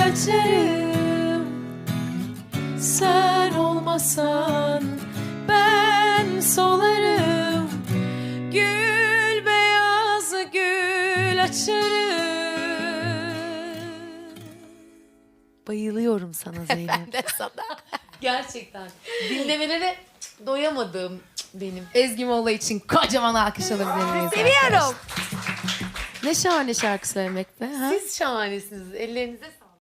açarım. Sen olmasan ben solarım. Gül beyaz gül açarım. Bayılıyorum sana Zeynep. Ben de sana. Gerçekten. Dinlemelere doyamadığım benim. Ezgi Molla için kocaman alkış alabilir miyiz? Seviyorum. Ne şahane şarkı söylemek be. Ha? Siz şahanesiniz. Ellerinize